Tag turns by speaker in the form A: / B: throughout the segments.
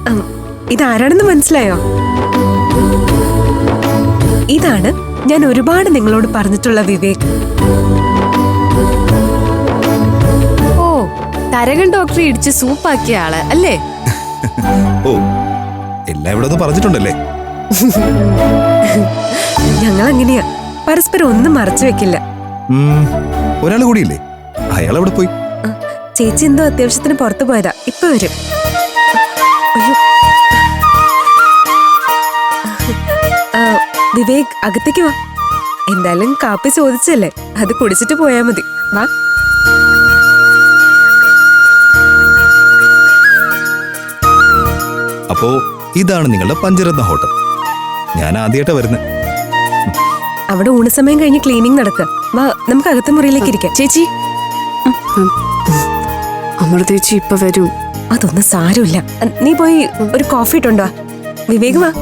A: ഇതാരാണെന്ന് മനസ്സിലായോ? ഇതാണ് ഞാൻ ഒരുപാട് നിങ്ങളോട് പറഞ്ഞിട്ടുള്ള വിവേക്.
B: ഓ, തരകൻ ഡോക്ടറെ ഇടിച്ച് സൂപ്പാക്കിയ ആള് അല്ലേ?
C: ഓ, എല്ലാം ഇവിടെ ഒന്ന് പറഞ്ഞിട്ടുണ്ടല്ലേ?
A: ഞങ്ങൾ അങ്ങനെയാ, പരസ്പരം ഒന്നും മറച്ചു വെക്കില്ല.
C: ഒരാൾ കൂടിയില്ലേ? അയാൾ എവിടെ പോയി?
A: ചേച്ചി എന്തോ അത്യാവശ്യത്തിന് പുറത്തു പോയതാ, ഇപ്പൊ വരും. വിവേക്, അകത്തേക്ക് വാ. എന്തായാലും കാപ്പി ചോദിച്ചല്ലേ, അത് കുടിച്ചിട്ട് പോയാ മതി. വാ.
C: അപ്പോ ഇതാണ് നിങ്ങളുടെ പഞ്ചരത്ന ഹോട്ടൽ. ഞാൻ ആദ്യമായിട്ടാ വരുന്നത്.
A: അവിടെ ഊണുസമയം കഴിഞ്ഞ് ക്ലീനിങ് നടക്കുക. വാ, നമുക്ക് അകത്തെ മുറിയിലേക്ക് ഇരിക്കാം.
B: ചേച്ചി, അമൃതേച്ചി ഇപ്പൊ വരും.
A: അതൊന്നും സാരമില്ല. നീ പോയി ഒരു കോഫി ഇട്ടുണ്ടോ? വിവേക് വാ.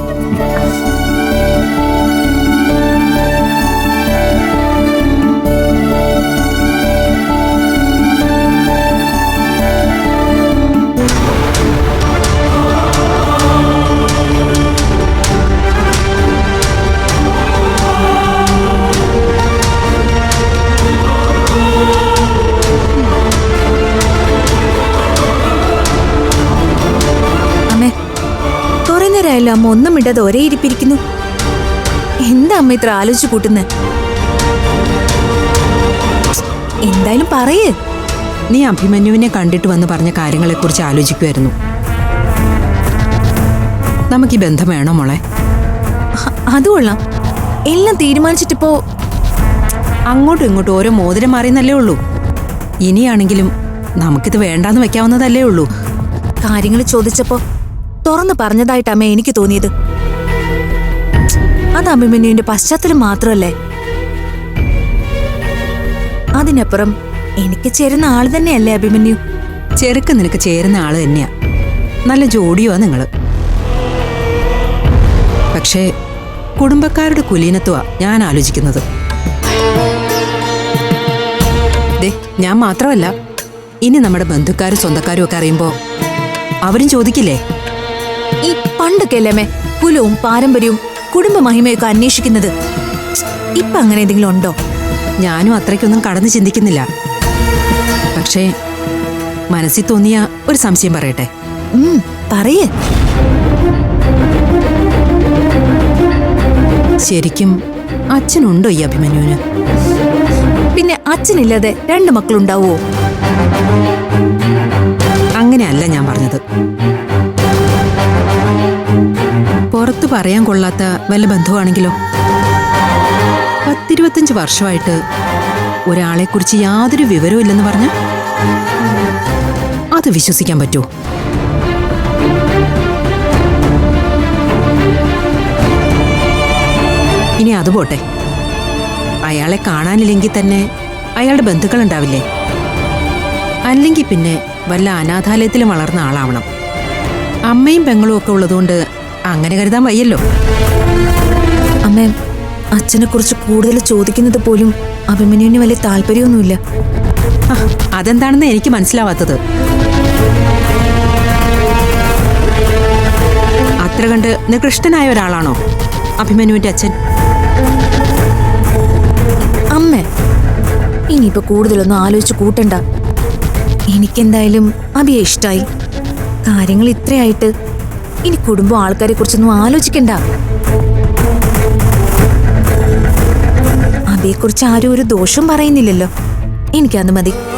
D: അമ്മ ഒന്നും ഇടാതെ ഒരേ ഇരിപ്പിരിക്കുന്നു. എന്താ അമ്മ ഇത്ര ആലോചിച്ചു കൂട്ടുന്നേ? എന്തായാലും പറയേ.
E: നീ അഭിമന്യുവിനെ കണ്ടിട്ട് വന്ന് പറഞ്ഞ കാര്യങ്ങളെക്കുറിച്ച് ആലോചിക്കുമായിരുന്നു. നമുക്ക് ഈ ബന്ധം വേണോ മോളെ?
D: അത് കൊള്ളാം. എല്ലാം തീരുമാനിച്ചിട്ടിപ്പോ
E: അങ്ങോട്ടും ഇങ്ങോട്ടും ഓരോ മോതിരം മാറിയെന്നല്ലേ ഉള്ളൂ. ഇനിയാണെങ്കിലും നമുക്കിത് വേണ്ടാന്ന് വെക്കാവുന്നതല്ലേ ഉള്ളൂ.
D: കാര്യങ്ങൾ ചോദിച്ചപ്പോ തുറന്നു പറഞ്ഞതായിട്ട് അമ്മ എനിക്ക് തോന്നിയത്. അത് അഭിമന്യുവിന്റെ പശ്ചാത്തലം മാത്രമല്ലേ, അതിനപ്പുറം എനിക്ക് ചേരുന്ന ആള് തന്നെയല്ലേ അഭിമന്യു.
E: ചെറുക്ക് നിനക്ക് ചേരുന്ന ആള് തന്നെയാ. നല്ല ജോഡിയുവാ നിങ്ങള്. പക്ഷേ കുടുംബക്കാരുടെ കുലീനത്വമാ ഞാൻ ആലോചിക്കുന്നത്. ഞാൻ മാത്രമല്ല, ഇനി നമ്മുടെ ബന്ധുക്കാരും സ്വന്തക്കാരും ഒക്കെ അറിയുമ്പോ അവരും ചോദിക്കില്ലേ?
D: ഈ പണ്ടൊക്കെ അല്ലേ കുലവും പാരമ്പര്യവും കുടുംബ മഹിമയൊക്കെ അന്വേഷിക്കുന്നത്. ഇപ്പൊ അങ്ങനെ എന്തെങ്കിലും ഉണ്ടോ?
E: ഞാനും അത്രയ്ക്കൊന്നും കടന്നു ചിന്തിക്കുന്നില്ല. പക്ഷേ മനസ്സിൽ തോന്നിയ ഒരു സംശയം പറയട്ടെ.
D: പറയേ.
E: ശരിക്കും അച്ഛനുണ്ടോ ഈ അഭിമന്യുവിന്?
D: പിന്നെ അച്ഛനില്ലാതെ രണ്ട് മക്കളുണ്ടാവോ?
E: അങ്ങനെയല്ല ഞാൻ പറഞ്ഞത്. പുറത്തു പറയാൻ കൊള്ളാത്ത വല്ല ബന്ധുവാണെങ്കിലോ? 10-25 വർഷമായിട്ട് ഒരാളെക്കുറിച്ച് യാതൊരു വിവരവും ഇല്ലെന്ന് പറഞ്ഞ അത് വിശ്വസിക്കാൻ പറ്റുമോ? ഇനി അതുപോട്ടെ, അയാളെ കാണാനില്ലെങ്കിൽ തന്നെ അയാളുടെ ബന്ധുക്കൾ ഉണ്ടാവില്ലേ? അല്ലെങ്കിൽ പിന്നെ വല്ല അനാഥാലയത്തിലും വളർന്ന ആളാവണം. അമ്മയും പെങ്ങളും ഒക്കെ ഉള്ളതുകൊണ്ട് അങ്ങനെ കരുതാൻ വയ്യല്ലോ.
D: അമ്മേ, അച്ഛനെ കുറിച്ച് കൂടുതൽ ചോദിക്കുന്നത് പോലും അഭിമന്യുവിന് വലിയ താല്പര്യമൊന്നുമില്ല.
E: അതെന്താണെന്ന് എനിക്ക് മനസ്സിലാവാത്തത്. അത്ര കണ്ട് നികൃഷ്ടനായ ഒരാളാണോ അഭിമന്യുവിന്റെ അച്ഛൻ?
D: അമ്മേ, ഇനിയിപ്പോ കൂടുതലൊന്നും ആലോചിച്ച് കൂട്ടണ്ട. എനിക്കെന്തായാലും അഭിയെ ഇഷ്ടായി. കാര്യങ്ങൾ ഇത്രയായിട്ട് ഇനി കുടുംബം ആൾക്കാരെ കുറിച്ചൊന്നും ആലോചിക്കണ്ട. അഭിയെക്കുറിച്ച് ആരും ഒരു ദോഷം പറയുന്നില്ലല്ലോ. എനിക്കത് മതി.